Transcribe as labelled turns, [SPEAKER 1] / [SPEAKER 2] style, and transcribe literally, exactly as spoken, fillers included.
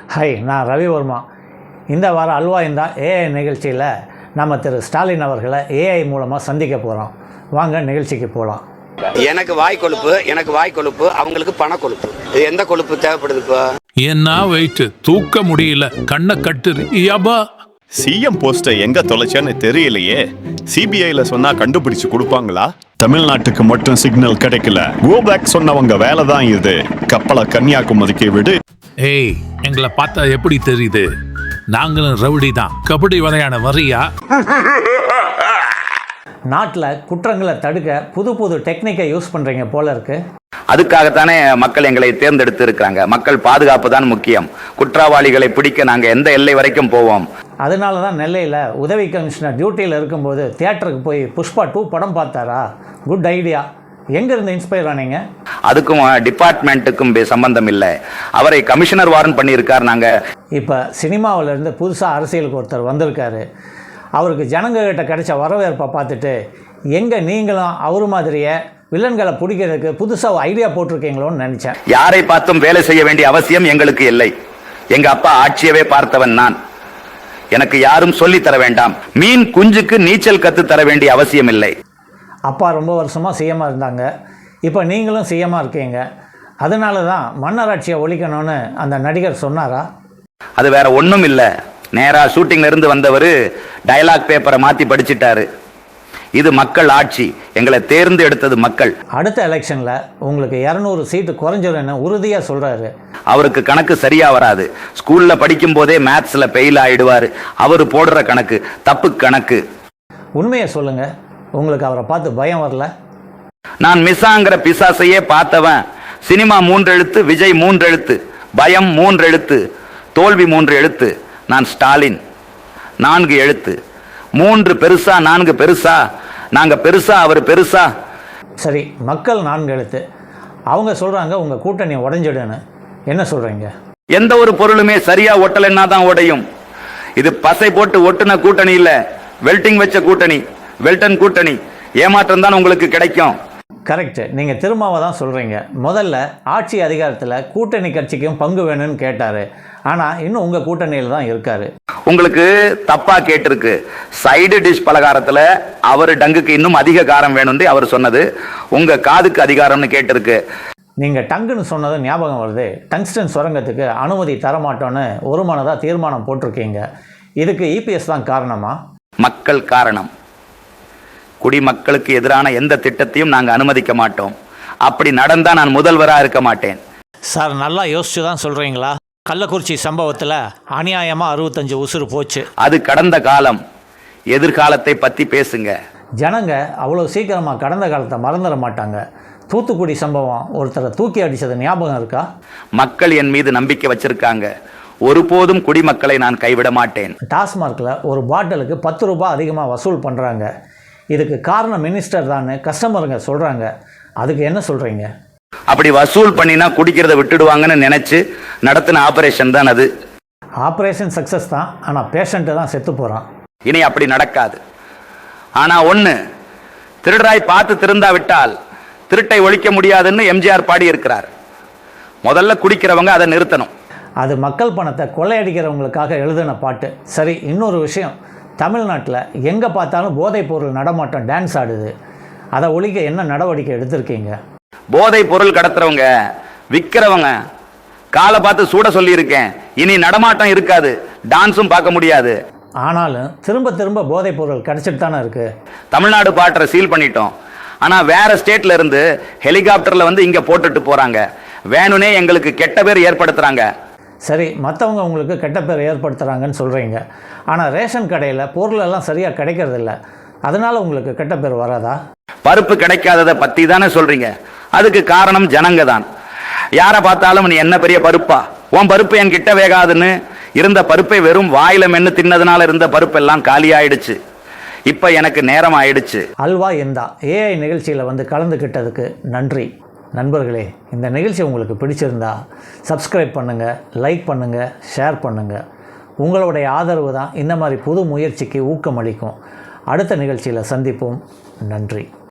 [SPEAKER 1] Hi, நான் ரவிவர்மா. இந்த வாரம் அல்வா இந்த ஏஐ நிகழ்ச்சியில் நம்ம திரு ஸ்டாலின் அவர்களை ஏஐ மூலமாக சந்திக்க போகிறோம். வாங்க நிகழ்ச்சிக்கு போகலாம்.
[SPEAKER 2] எனக்கு வாய் கொழுப்பு எனக்கு வாய் கொழுப்பு அவங்களுக்கு பண கொழுப்பு. இது எந்த கொழுப்பு தேவைப்படுது? இப்போ
[SPEAKER 3] என்ன வெயிட் தூக்க முடியல, கண்ணை கட்டுது. யபா,
[SPEAKER 4] சிஎம் போஸ்டை எங்க தொலைச்சேன்னு தெரியலையே. சிபிஐல சொன்னா கண்டுபிடிச்சு கொடுப்பாங்களா? தமிழ்நாட்டுக்கு மட்டும் சிக்னல் கிடைக்கல. கோ பேக் சொன்னவங்க வேலை தான் இது. கப்பலை கன்னியாகுமரிக்கு விடு.
[SPEAKER 3] ஏய், எங்களை பார்த்தா எப்படி தெரியுது? நாங்களும் ரவுடி தான். கபடி விளையாட வரியா?
[SPEAKER 1] நாட்டில் குற்றங்களை தடுக்க புது புது டெக்னிக்கை யூஸ் பண்ணுறீங்க போல இருக்கு.
[SPEAKER 2] அதுக்காகத்தானே மக்கள் எங்களை தேர்ந்தெடுத்து இருக்கிறாங்க. மக்கள் பாதுகாப்பு தான் முக்கியம். குற்றவாளிகளை பிடிக்க நாங்கள் எந்த எல்லை வரைக்கும் போவோம். அதனால தான் நெல்லையில் உதவி கமிஷனர் டியூட்டியில் இருக்கும்போது தியேட்டருக்கு போய் புஷ்பா டூ படம் பார்த்தாரா? Good idea. எங்கேருந்து இன்ஸ்பயர் ஆனீங்க? அதுக்கும் டிபார்ட்மெண்ட்டுக்கும் சம்பந்தம் இல்லை. அவரை கமிஷனர் வாரன் பண்ணியிருக்கார். நாங்கள்
[SPEAKER 1] இப்போ சினிமாவிலேருந்து புதுசாக அரசியலுக்கு ஒருத்தர் வந்திருக்காரு. அவருக்கு ஜனங்ககிட்ட கிடைச்ச வரவேற்பை பார்த்துட்டு எங்கே நீங்களும் அவர் மாதிரியே வில்லன்களை பிடிக்கிறதுக்கு புதுசாக ஐடியா போட்டிருக்கீங்களோன்னு நினச்சேன்.
[SPEAKER 2] யாரை பார்த்தும் வேலை செய்ய வேண்டிய அவசியம் எங்களுக்கு இல்லை. எங்கள் அப்பா ஆட்சியவே பார்த்தவன் நான். எனக்கு யாரும் சொல்லி தர வேண்டாம். மீன் குஞ்சுக்கு நீச்சல் கற்று தர வேண்டிய அவசியம் இல்லை.
[SPEAKER 1] அப்பா ரொம்ப வருஷமாக சிஎம்மாக இருந்தாங்க. இப்போ நீங்களும் சிஎம்மாக இருக்கீங்க. அதனால தான் மன்னராட்சியை ஒழிக்கணும்னு அந்த நடிகர் சொன்னாரா?
[SPEAKER 2] அது வேற ஒன்றும் இல்லை. நேராக ஷூட்டிங்ல இருந்து வந்தவர் டயலாக் பேப்பரை மாற்றி படிச்சிட்டாரு. இது மக்கள் ஆட்சி. எங்களை தேர்ந்து எடுத்தது மக்கள்.
[SPEAKER 1] அடுத்த எலெக்ஷனில் உங்களுக்கு இரநூறு சீட்டு குறைஞ்சிடும்னு உறுதியாக சொல்கிறாரு.
[SPEAKER 2] அவருக்கு கணக்கு சரியாக வராது. ஸ்கூலில் படிக்கும் போதே மேத்ஸில் ஃபெயில் ஆகிடுவார். அவர் போடுற கணக்கு தப்பு கணக்கு.
[SPEAKER 1] உண்மையை சொல்லுங்கள், உங்களுக்கு அவரை பார்த்து பயம் வரல?
[SPEAKER 2] நான் மிஸ்ஸாங்கிற பிசாசையே பார்த்தவன். சினிமா மூன்று எழுத்து, விஜய் மூன்று எழுத்து, பயம் மூன்று எழுத்து, தோல்வி மூன்று எழுத்து. நான் ஸ்டாலின் நான்கு எழுத்து. மூன்று பெருசா நான்கு பெருசா? நாங்க பெருசா அவர் பெருசா?
[SPEAKER 1] சரி, மக்கள் நான்கு எழுத்து. அவங்க சொல்றாங்க உங்க கூட்டணி உடைஞ்சிடுன்னு. என்ன சொல்றீங்க?
[SPEAKER 2] எந்த ஒரு பொருளுமே சரியா ஒட்டலைன்னா தான் உடையும். இது பசை போட்டு ஒட்டுன கூட்டணி இல்ல, வெல்டிங் வச்ச கூட்டணி, வெல்டன் கூட்டணி. ஏமாற்றம் தான் உங்களுக்கு கிடைக்கும்.
[SPEAKER 1] கரெக்ட். நீங்கள் திரும்பவும் தான் சொல்கிறீங்க. முதல்ல ஆட்சி அதிகாரத்தில் கூட்டணி கட்சிக்கும் பங்கு வேணும்னு கேட்டார். ஆனால் இன்னும் உங்கள் கூட்டணியில் தான் இருக்கார்.
[SPEAKER 2] உங்களுக்கு தப்பாக கேட்டிருக்கு. சைடு டிஷ் பலகாரத்தில் அவர் டங்குக்கு இன்னும் அதிக காரம் வேணும்னு அவர் சொன்னது. உங்கள் காதுக்கு அதிகாரம்னு கேட்டிருக்கு.
[SPEAKER 1] நீங்கள் டங்குன்னு சொன்னது ஞாபகம் வருது. டங்ஸ்டன் சுரங்கத்துக்கு அனுமதி தரமாட்டோன்னு ஒரு மனதாக தீர்மானம் போட்டிருக்கீங்க. இதுக்கு இபிஎஸ் தான் காரணமா?
[SPEAKER 2] மக்கள் காரணம். குடிமக்களுக்கு எதிரான எந்த திட்டத்தையும் நாங்கள் அனுமதிக்க மாட்டோம். அப்படி நடந்தால் நான் முதல்வராக இருக்க மாட்டேன்.
[SPEAKER 1] சார், நல்லா யோசிச்சு தான் சொல்கிறீங்களா? கள்ளக்குறிச்சி சம்பவத்தில் அநியாயமாக அறுபத்தஞ்சு உசுறு போச்சு.
[SPEAKER 2] அது கடந்த காலம். எதிர்காலத்தை பற்றி பேசுங்க.
[SPEAKER 1] ஜனங்க அவ்வளோ சீக்கிரமாக கடந்த காலத்தை மறந்துட மாட்டாங்க. தூத்துக்குடி சம்பவம் ஒருத்தரை தூக்கி அடித்தது ஞாபகம் இருக்கா?
[SPEAKER 2] மக்கள் என் மீது நம்பிக்கை வச்சிருக்காங்க. ஒருபோதும் குடிமக்களை நான் கைவிட மாட்டேன்.
[SPEAKER 1] டாஸ்மார்க்கில் ஒரு பாட்டிலுக்கு பத்து ரூபாய் அதிகமாக வசூல் பண்ணுறாங்க. இதுக்கு காரணம் மினிஸ்டர் தான் கஸ்டமருங்க சொல்கிறாங்க. அதுக்கு என்ன சொல்கிறீங்க?
[SPEAKER 2] அப்படி வசூல் பண்ணினா குடிக்கிறத விட்டுடுவாங்கன்னு நினச்சி நடத்தின ஆபரேஷன் தான் அது.
[SPEAKER 1] ஆப்ரேஷன் சக்ஸஸ் தான், ஆனால் பேஷண்ட்டு தான் செத்து போகிறான்.
[SPEAKER 2] இனி அப்படி நடக்காது. ஆனால் ஒன்று, திருடராய் பார்த்து திருந்தா விட்டால் திருட்டை ஒழிக்க முடியாதுன்னு எம்ஜிஆர் பாடி இருக்கிறார். முதல்ல குடிக்கிறவங்க அதை நிறுத்தணும்.
[SPEAKER 1] அது மக்கள் பணத்தை கொள்ளையடிக்கிறவங்களுக்காக எழுதின பாட்டு. சரி, இன்னொரு விஷயம். தமிழ்நாட்டில் எங்கே பார்த்தாலும் போதைப் பொருள் நடமாட்டம் டான்ஸ் ஆடுது. அதை ஒழிக்க என்ன நடவடிக்கை எடுத்திருக்கீங்க?
[SPEAKER 2] போதை பொருள் கடத்துறவங்க விற்கிறவங்க காலை பார்த்து சூட சொல்லியிருக்கேன். இனி நடமாட்டம் இருக்காது, டான்ஸும் பார்க்க முடியாது.
[SPEAKER 1] ஆனாலும் திரும்ப திரும்ப போதைப் பொருள் கிடைச்சிட்டு தானே இருக்குது.
[SPEAKER 2] தமிழ்நாடு பாட்டரை சீல் பண்ணிட்டோம். ஆனால் வேற ஸ்டேட்ல இருந்து ஹெலிகாப்டரில் வந்து இங்கே போட்டுட்டு போகிறாங்க. வேணுனே எங்களுக்கு கெட்ட பேர் ஏற்படுத்துகிறாங்க.
[SPEAKER 1] சரி, மற்றவங்க உங்களுக்கு கெட்ட பேர் ஏற்படுத்துகிறாங்கன்னு சொல்கிறீங்க. ஆனால் ரேஷன் கடையில் பொருள் எல்லாம் சரியாக கிடைக்கிறதில்ல. அதனால் உங்களுக்கு கெட்ட பேர் வராதா?
[SPEAKER 2] பருப்பு கிடைக்காததை பற்றி தானே சொல்கிறீங்க. அதுக்கு காரணம் ஜனங்க தான். யாரை பார்த்தாலும் நீ என்ன பெரிய பருப்பா, உன் பருப்பு என் கிட்ட வேகாதுன்னு இருந்த பருப்பை வெறும் வாயில மென்று தின்னதுனால இருந்த பருப்பெல்லாம் காலி ஆயிடுச்சு. இப்போ எனக்கு நேரம் ஆயிடுச்சு.
[SPEAKER 1] அல்வா இந்தா ஏஐ நிகழ்ச்சியில் வந்து கலந்துக்கிட்டதுக்கு நன்றி. நண்பர்களே, இந்த நிகழ்ச்சி உங்களுக்கு பிடிச்சிருந்தா சப்ஸ்கிரைப் பண்ணுங்கள், லைக் பண்ணுங்கள், ஷேர் பண்ணுங்கள். உங்களுடைய ஆதரவு தான் இந்த மாதிரி புது முயற்சிக்கு ஊக்கமளிக்கும். அடுத்த நிகழ்ச்சியில் சந்திப்போம். நன்றி.